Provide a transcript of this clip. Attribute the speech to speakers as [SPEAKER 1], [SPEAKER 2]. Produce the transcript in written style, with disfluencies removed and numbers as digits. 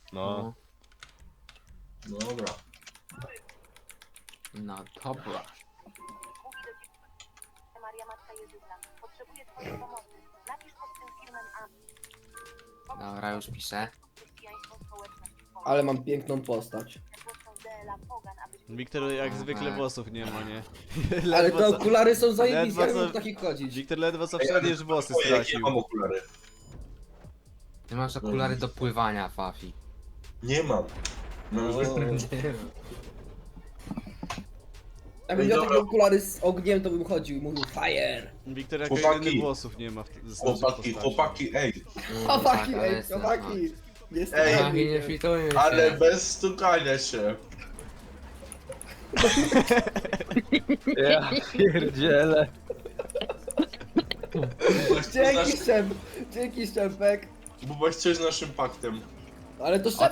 [SPEAKER 1] No.
[SPEAKER 2] Dobra.
[SPEAKER 3] No dobra.
[SPEAKER 4] Maria Matka Jezusa. Potrzebuję twojej pomocy. Napisz pod tym filmem
[SPEAKER 3] Dobra, już piszę.
[SPEAKER 4] chrześcijaństwo społeczne.
[SPEAKER 5] Ale mam piękną postać.
[SPEAKER 1] Wiktor jak zwykle włosów nie ma, nie?
[SPEAKER 5] Ale te
[SPEAKER 1] co-
[SPEAKER 5] okulary są zajebiste,
[SPEAKER 1] ledwo
[SPEAKER 5] jak
[SPEAKER 1] co-
[SPEAKER 5] mam w takich chodzić.
[SPEAKER 1] Wiktor ledwo co wszedł, już włosy
[SPEAKER 2] Oj, jakie
[SPEAKER 1] stracił.
[SPEAKER 2] mam okulary?
[SPEAKER 3] Ty masz okulary do pływania, Fafi.
[SPEAKER 2] Nie mam. Mam zwykłe.
[SPEAKER 5] Jakbym miał
[SPEAKER 2] Dobra.
[SPEAKER 5] takie okulary z ogniem, to bym chodził i mówił fire.
[SPEAKER 1] Wiktor jako
[SPEAKER 2] Chłopaki.
[SPEAKER 1] jedyny włosów nie ma w ze naszej postaci.
[SPEAKER 2] Chłopaki, ej.
[SPEAKER 5] Chłopaki,
[SPEAKER 3] ale
[SPEAKER 5] ej,
[SPEAKER 3] jestem-
[SPEAKER 5] chłopaki. Jest
[SPEAKER 2] Ej,
[SPEAKER 3] Fafi, nie fitujmy się.
[SPEAKER 2] Ale bez stukania się.
[SPEAKER 6] Ja pierdzielę.
[SPEAKER 5] Dzięki Szczep, dzięki Szczepek.
[SPEAKER 2] Bo coś z naszym paktem.
[SPEAKER 5] Ale to
[SPEAKER 3] O
[SPEAKER 5] Szczepek